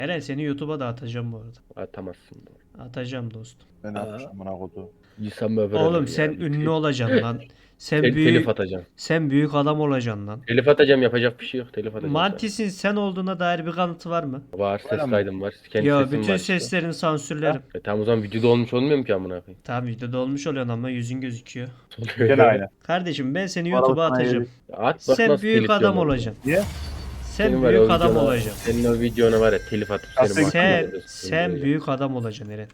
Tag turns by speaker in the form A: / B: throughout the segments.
A: Eren seni YouTube'a da atacağım bu arada.
B: Atamazsın.
A: Atacağım dostum.
C: Ben atmışım buna kodu.
B: İnsan böyle
A: Oğlum
B: ya.
A: sen ünlü olacaksın lan. Sen
B: Telif
A: büyük
B: atacağım.
A: sen büyük adam olacaksın lan.
B: Telif atacağım, yapacak bir şey yok. Telif atacağım.
A: Mantis'in sen olduğuna dair bir kanıtı var mı?
B: Var, ses
C: Var ama.
B: kaydım var. Kendi
A: Ya
B: sesim
A: bütün
B: var işte.
A: seslerini sansürlerim.
B: Tamam o zaman videoda olmuş olmuyor mu ki amına koyayım?
A: Tamam videoda olmuş oluyorsun ama yüzün gözüküyor.
C: Gene aynı.
A: Kardeşim ben seni
C: Araba
A: YouTube'a
C: sana
A: atacağım.
C: yedik.
B: At bak
A: Sen
B: nasıl
A: büyük
B: telif
A: adam
B: yiyorum
A: olacaksın.
C: Niye?
A: Sen
B: Senin var ya,
A: büyük
B: o
A: adam
B: videona-
A: olacaksın.
B: Senin o videona var ya telif atıp
C: Sen-
B: seni
A: Sen
B: mahkemeye
A: sen
B: böyle.
A: büyük adam olacaksın Eren.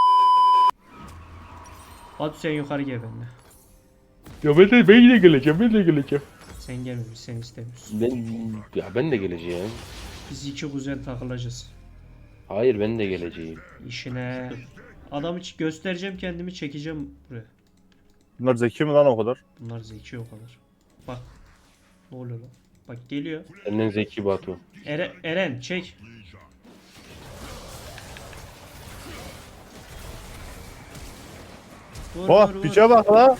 A: Hadi sen yukarı gel benimle.
B: Ya ben de geleceğim.
A: Sen gelmemiş, sen istemiyorsun.
B: Ben de geleceğim.
A: Biz iki kuzen takılacağız.
B: Hayır ben de geleceğim.
A: İşine. Adam hiç göstereceğim kendimi çekeceğim buraya.
C: Bunlar zeki mi lan o kadar?
A: Bunlar zeki o kadar. Bak. Ne oluyor lan? Bak geliyor.
B: Senden zeki Batu.
A: Eren çek. Vur,
C: Oh
A: vur, vur.
C: piçe bak la.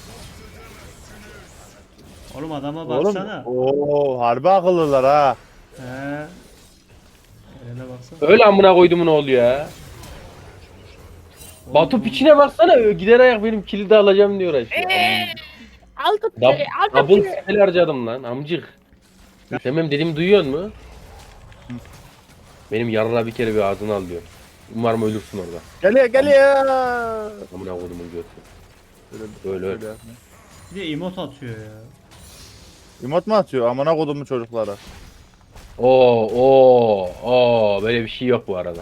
A: Oğlum adama
C: Oğlum.
A: baksana.
C: Oo harbi akıllılar ha.
A: He. Eren'e baksana.
B: Öyle amına koydumun oğlu ya.
A: Oğlum,
B: Batu
A: oğlum.
B: piçine baksana gider ayak benim kilidi alacağım diyor uğraşıyor. Double spell harcadım lan amcık. Sen benim dediğimi duyuyor mu? Benim yarına bir kere bir ağzını al diyor. Umarım ölürsün orada.
C: Geliyor.
B: Amına koydumun götü. Öyle.
A: Bir de emot atıyor ya.
C: İmot mu atıyor? Amına kodumu çocuklara.
B: Oo, böyle bir şey yok bu arada.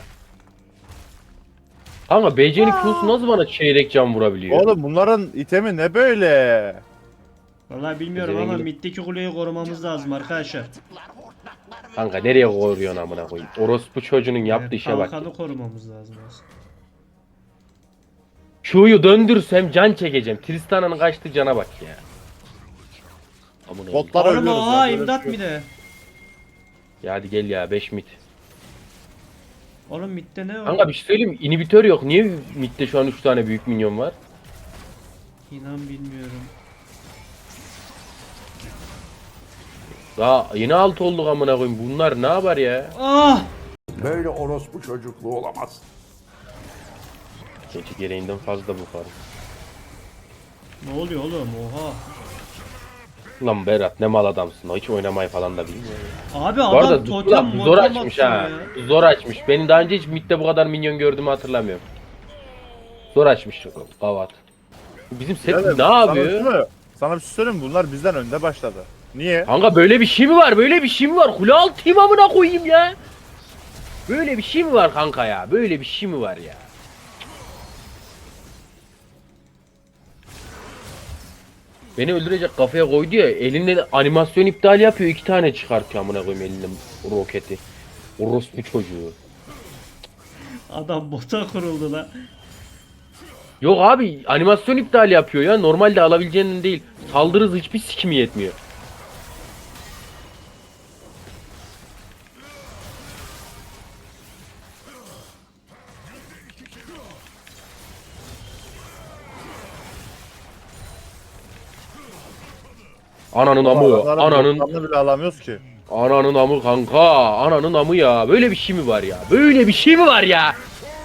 B: Kanka BC'nin Q'su nasıl bana çeyrek can vurabiliyor?
C: Oğlum bunların itemi ne böyle?
A: Vallahi bilmiyorum
B: Zengin.
A: ama middeki kuleyi korumamız lazım arkadaşlar.
B: Kanka nereye koyuyorsun amına koyayım? Orospu çocuğunun yaptığı işe bak.
A: Kalkanı korumamız lazım aslında.
B: Q'yu döndürsem can çekeceğim. Tristana'nın kaçtığı cana bak ya. Amına koyayım.
C: Botlar
A: Oğlum
C: ölüyoruz.
A: oha
C: lan, böyle
A: imdat
C: bir şey
A: mi de?
B: Ya hadi gel ya 5 mid.
A: Oğlum midde ne var?
B: Kanka bir şey söyleyeyim mi? İnhibitör yok. Niye midde şu an 3 tane büyük minyon var?
A: İnan bilmiyorum.
B: Daha yeni 6 olduk amına koyayım. Bunlar ne yapar ya?
A: Ah!
D: Böyle orospu çocukluğu olamaz.
B: Keçi gereğinden fazla bu fark.
A: Ne oluyor oğlum? Oha.
B: Lan Berat ne mal adamsın. O hiç oynamayı falan da bilmiyor.
A: Abi
B: Bu
A: adam
B: arada
A: totem
B: zor
A: motem
B: açmış
A: atıyor
B: ha.
A: ya.
B: Zor açmış. Benim daha önce hiç midde bu kadar minyon gördüğümü hatırlamıyorum. Zor açmış Gavat. Bizim set
C: Birader,
B: ne
C: sana bir şey
B: yapıyor?
C: mi? Sana bir şey söyleyeyim mi? Bunlar bizden önde başladı. Niye?
B: Kanka böyle bir şey mi var? Böyle bir şey mi var? Kule altıyım amına koyayım ya. Böyle bir şey mi var kanka ya? Böyle bir şey mi var ya? Beni öldürecek kafaya koydu ya. Elinde de animasyon iptal yapıyor. 2 tane çıkartıyor amına koyayım elinde roketi. Orospu çocuğu.
A: Adam bota kuruldu lan.
B: Yok abi animasyon iptal yapıyor ya. Normalde alabileceğinin değil. Saldırı hızı hiçbir sikimi yetmiyor. Ananın amı,
C: Adamların
B: ananın
C: botlarını bile alamıyoruz ki.
B: ananın amı kanka, ananın amı ya. Böyle bir şey mi var ya? Böyle bir şey mi var ya?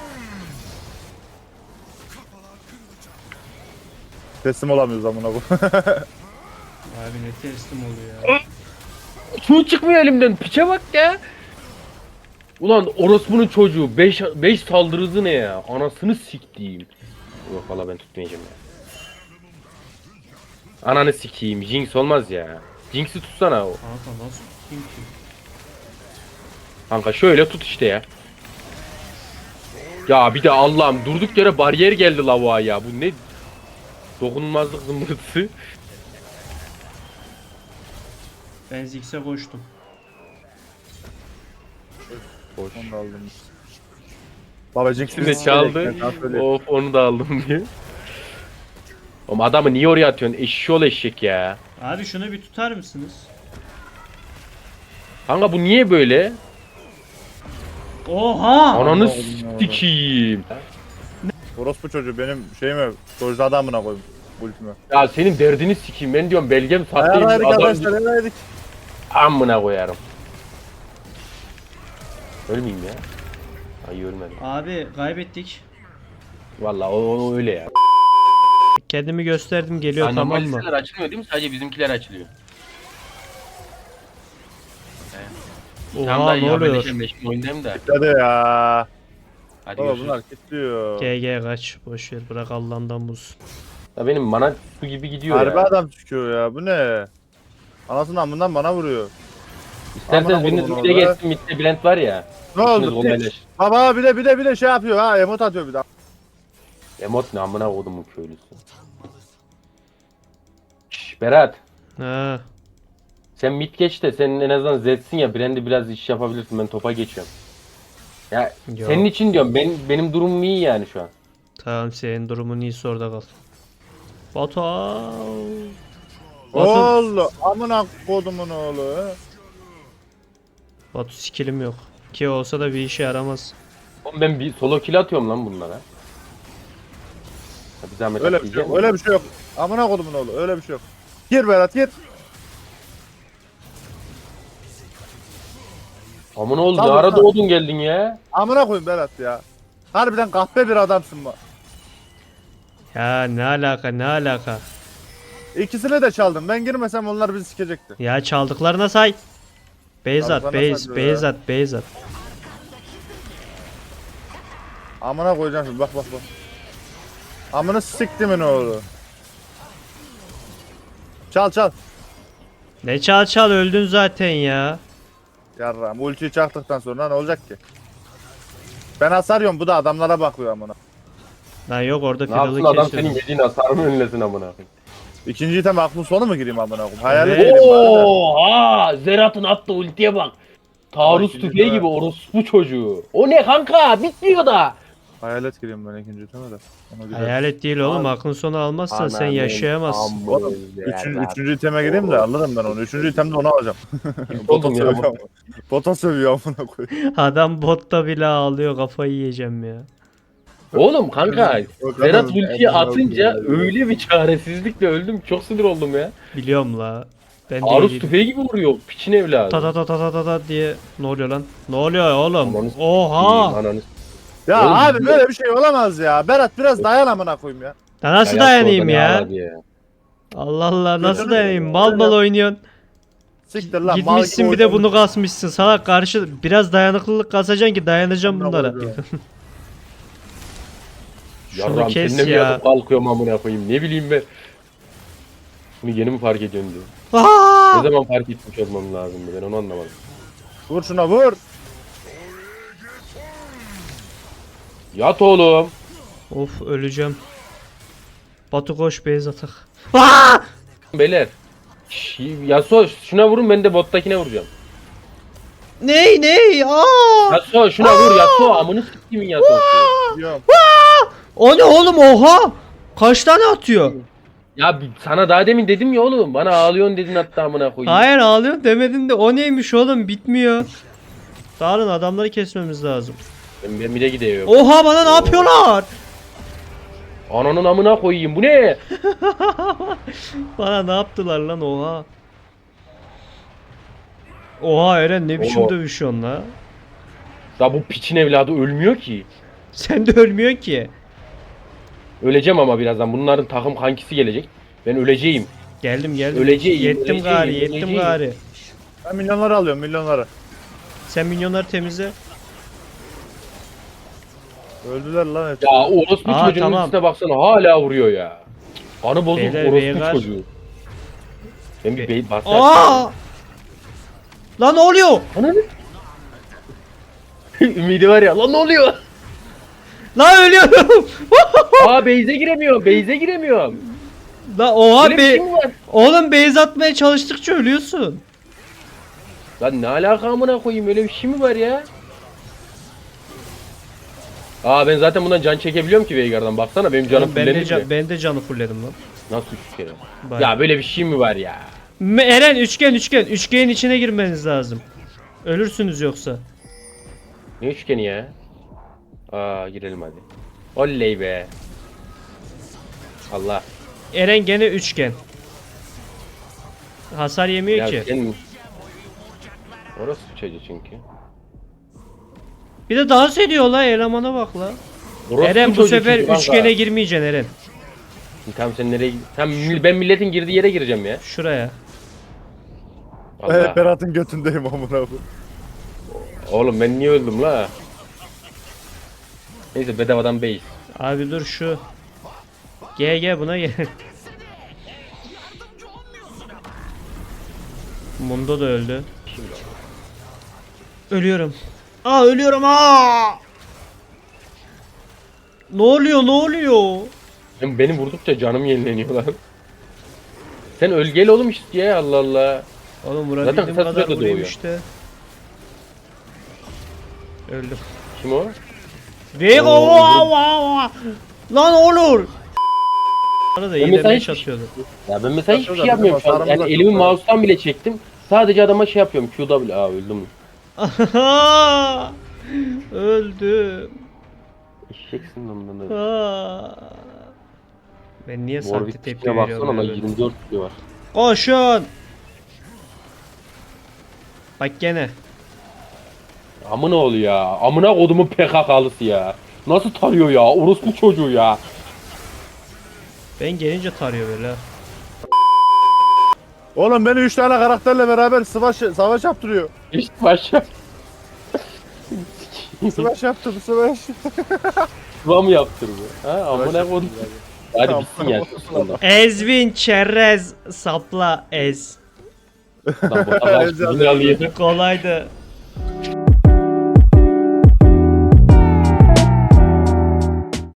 C: Teslim olamıyoruz amına koyayım.
A: Abi ne teslim oluyor ya.
B: Su çıkmıyor elimden. Piçe bak ya. Ulan orospunun çocuğu 5 saldırı hızı ne ya? Anasını siktiğim. Yok valla ben tutmayacağım ya. Ananı sikeyim. Jinx olmaz ya. Jinx'i tutsana.
A: Kanka nasıl tutayım ki?
B: Kanka şöyle tut işte ya. Ya bir de Allah'ım durduk yere bariyer geldi lavuğa ya. Bu ne? Dokunulmazlık zımbırtısı.
A: Ben Ziggs'e koştum.
B: Hoş.
C: Onu da aldım. Babacık
B: Şimdi çaldı. Of onu da aldım diye. Oğlum adamı niye oraya atıyorsun? Eşşoğlu eşek ya.
A: Abi şunu bir tutar mısınız?
B: Kanka bu niye böyle?
A: Oha!
B: Ananı
C: Allah'ım.
B: sikeyim.
C: Orospu çocuğu benim şeyime dojda adamına koyayım. Ultime.
B: Ya senin derdini sikeyim. Ben diyorum belgem sahteyim.
C: Ayarlaydık
B: Adam
C: arkadaşlar ayarlaydık.
B: amına koyarım. Ölmeyeyim ya. Ay ölmedim.
A: Abi kaybettik.
B: Vallahi o öyle ya.
A: Kendimi gösterdim geliyor tamam
B: Normal
A: mı?
B: listeler açılmıyor değil mi? Sadece bizimkiler açılıyor. Tam
A: Oha
B: da
A: ne
B: ya
A: oluyor?
B: ben oyundayım da.
C: Hadi ya.
B: Hadi
C: Baba
B: görüşürüz.
C: bunlar kilitliyor.
A: GG kaç boşver bırak Allah'ından buz.
B: Ya benim mana su gibi gidiyor
C: Harbi
B: ya.
C: adam çıkıyor ya. Bu ne? Anasının amından bana vuruyor.
B: İsterseniz
C: Amına
B: biriniz
C: koyduğum
B: mid'e
C: orada.
B: geçsin, mid'de Bülent var ya.
C: Ne
B: İkiniz
C: oldu?
B: onaylaş.
C: Baba bir de şey yapıyor ha. Emot atıyor bir de.
B: Emot ne amına kodumun köylüsü. Şşş Berat.
A: Ha.
B: Sen mid geç de senin en azından Z'sin ya. Brand'i biraz iş yapabilirsin. Ben topa geçiyorum. Ya
A: Yok.
B: senin için diyorum. Benim durumum iyi yani şu an.
A: Tamam senin durumun iyisi orada kal. Batu.
C: Oğlu. Amına kodumun oğlu.
A: Batu skillim yok. Ki olsa da bir işe yaramaz.
B: Oğlum ben bir solo kill atıyorum lan bunlara. Ya bir zahmet
C: Öyle bir şey yok. Öyle bir şey yok. Amına kodumun oğlu. Öyle bir şey yok. Gir Berat gir.
B: Aman oğlum ne
C: Tabii,
B: ara
C: tabii.
B: doğdun geldin ya.
C: Amına koyayım Berat ya. Harbiden kahpe bir adamsın bak.
A: Ya ne alaka ne alaka.
C: İkisini de çaldım. Ben girmesem onlar bizi sikecekti.
A: Ya çaldıklarına say. Beyzat,
C: Çaldıklarına
A: Beyz,
C: say diyor
A: Beyzat, Beyzat.
C: Amına koyacağım şimdi bak. Amına siktimin oğlu. Çal.
A: Ne çal çal öldün zaten ya.
C: Yarram ultiyi çaktıktan sonra ne olacak ki? Ben hasarıyorum bu da adamlara bakıyor amına.
A: Lan yok orada
B: Ne yapsın
A: fidalı
B: adam
A: kesiyor.
B: senin yediğin hasarı mı önlesin amına koyayım.
C: İkinci item aklın sonu mu gireyim amına koyayım? Hayalet
A: Evet.
C: gireyim bari de.
B: Oha! Zerat'ın attığı ultiye bak. Taarruz
C: Bak,
B: tüfeği
C: şimdi
B: gibi orospu çocuğu. O ne kanka? Bitmiyor da.
C: Hayalet gireyim ben ikinci iteme de. Ona gidelim.
A: Hayalet değil oğlum aklın sonu almazsan sen yaşayamazsın.
C: Oğlum, üçüncü iteme gireyim de alırım ben onu. Üçüncü itemde onu alacağım. Bota
B: Oldum ya.
C: sövüyor. Bota sövüyor amına koyayım.
A: Adam botta bile ağlıyor kafayı yiyeceğim ya.
B: Oğlum kanka
C: Yok,
B: Zerat
C: adam-
B: ultiyi
C: adam-
B: atınca öyle bir çaresizlikle öldüm. Çok sinir oldum ya.
A: Biliyorum la. Ben de
B: Taarruz
A: iyiydim.
B: tüfeği gibi vuruyor. Piçin evladı.
A: Ta ta ta ta ta ta ta diye ne oluyor lan? Ne oluyor oğlum?
B: Amanı
A: Oha!
B: Ananı
C: Ya
B: Oğlum,
C: abi böyle bir şey olamaz ya. Berat biraz dayan amına koyayım ya.
A: Da nasıl
B: Hayat
A: dayanayım
B: orada ne
A: ya?
B: ağladı ya.
A: Allah Allah nasıl
C: Gözünü
A: dayanayım?
C: seveyim.
A: Mal mal oynuyorsun.
C: Siktir lan. mal gibi
A: Gitmişsin bir de
C: oynamış.
A: bunu kasmışsın. Salak karşı biraz dayanıklılık kasacaksın ki dayanacağım
C: Amına
A: bunlara.
C: koyduğum. Şunu
B: Yarram
A: kes
B: seninle mi
A: ya.
B: yatıp kalkıyorum amına koyayım. Ne bileyim ben. Bunu yeni mi fark ediyorsun diyor.
A: Aa!
B: Ne zaman fark etmiş olmam lazımdı ben onu anlamadım.
C: Vur şuna vur.
B: Yat oğlum.
A: Of öleceğim. Batu koş beyaz atak. Aa!
B: Beyler. Yasuo şuna vurun ben de bottakine vuracağım.
A: Ney? Aa!
B: Yasuo şuna vur Yasuo amını s**timin Yasuo'su.
C: Diyorum.
A: O ne oğlum oha? Kaç tane atıyor?
B: Ya sana daha demin dedim ya oğlum bana ağlıyorsun dedin hatta amına koyayım.
A: Hayır ağlıyor demedin de o neymiş oğlum bitmiyor. Dağılın adamları kesmemiz lazım.
B: Ben bir de gidiyorum.
A: Oha bana ne yapıyorlar?
B: Ananın amına koyayım bu ne?
A: Bana ne yaptılar lan oha. Oha Eren ne biçim
B: Oo.
A: dövüşüyorsun la?
B: Ya bu piçin evladı ölmüyor ki.
A: Sen de ölmüyorsun ki.
B: Öleceğim ama birazdan bunların takım kankisi gelecek. Ben öleceğim.
A: Geldim.
B: Öleceğim,
A: Yettim
B: öleceğim.
A: gari.
C: Ben milyonları alıyorum milyonları.
A: Sen minyonları temizle.
C: Öldüler lan hepsi.
B: Ya o orospu
A: Aa,
B: çocuğun
A: tamam.
B: ultisine baksana hala vuruyor ya. Kanı bozuk
A: Beyler,
B: orospu
A: beyler.
B: çocuğu. Ben bir bey bastı.
A: Aa! Lan ne oluyor?
B: Ananı. Ümidi var ya lan ne oluyor?
A: Lan ölüyorum.
B: Aa base'e giremiyorum. Base'e giremiyorum.
A: Lan oha
B: Böyle bir şey mi var?
A: Oğlum base atmaya çalıştıkça ölüyorsun.
B: Lan ne alaka amına koyayım öyle bir şey mi var ya? Aa ben zaten bundan can çekebiliyorum ki Veigar'dan baksana benim canım
A: Oğlum, ben
B: fullendi bile.
A: ben de canı fullledim lan.
B: Nasıl 3 kere?
A: Bak.
B: Ya böyle bir şey mi var ya?
A: Eren üçgen. Üçgenin içine girmeniz lazım. Ölürsünüz yoksa.
B: Ne üçgeni ya? Aa girelim hadi. Oley be. Allah.
A: Eren gene üçgen. Hasar yemiyor
B: Ya
A: ki.
B: sen... Orası çocuğu çünkü.
A: Bir de dans ediyor la, elemana bak la.
B: Orospu
A: Eren bu
B: çocuğu
A: sefer
B: çünkü kanka.
A: üçgene girmeyeceksin Eren.
B: Tamam sen nereye Tamam ben milletin girdiği yere gireceğim ya.
A: Şuraya.
B: Allah.
C: Berat'ın götündeyim amına koyayım.
B: Oğlum ben niye öldüm la? Neyse bedavadan base.
A: Abi dur şu. Gel buna gel. Mundo da öldü. Ölüyorum. Aa ölüyorum aa. Ne oluyor?
B: Beni vurdukça canım yenileniyor lan. Sen ölgeli oğlum işte ya Allah Allah.
A: Oğlum
B: Zaten
A: vurabildiğim
B: kısa
A: kadar
B: sürede
A: vurayım
B: doğuyor.
A: işte. Öldüm.
B: Kim o?
A: Vego
B: Oo,
A: lan olur. Bana da iyi
B: mesela
A: demeç
B: hiçbir-
A: atıyordu.
B: Ya ben mesela hiçbir
C: Şurada
B: şey yapmıyorum şu an.
C: bizim
B: Yani
C: hasarımız
B: elimi
C: yok.
B: mouse'tan bile çektim. Sadece adama şey yapıyorum. QW. Aa öldüm.
A: Öldüm.
B: Eşeksin lan bundan da.
A: Aa. Ben niye saklı
B: Warwick
A: tepki
B: tipine baksana
A: veriyorum
B: lan
A: ya böyle?
B: 24 kilo var.
A: Koşun. Bak gene.
B: Amına oluyor ya. Amına kodumun PKK'lısı ya. Nasıl tarıyor ya? Orospu çocuğu ya.
A: Ben gelince tarıyor böyle.
C: Oğlum beni 3 tane karakterle beraber savaş yaptırıyor.
B: İşte başa.
C: Savaş yaptım savaş.
B: Sıva mı yaptırdı? Ha amına kodum. Hadi
C: Tamam,
B: bitsin ya.
C: tamam.
A: Ezvin çerez sapla ez.
B: Lan bu adam
C: Ezeceğim.
B: dünyalı yedi.
A: Kolaydı.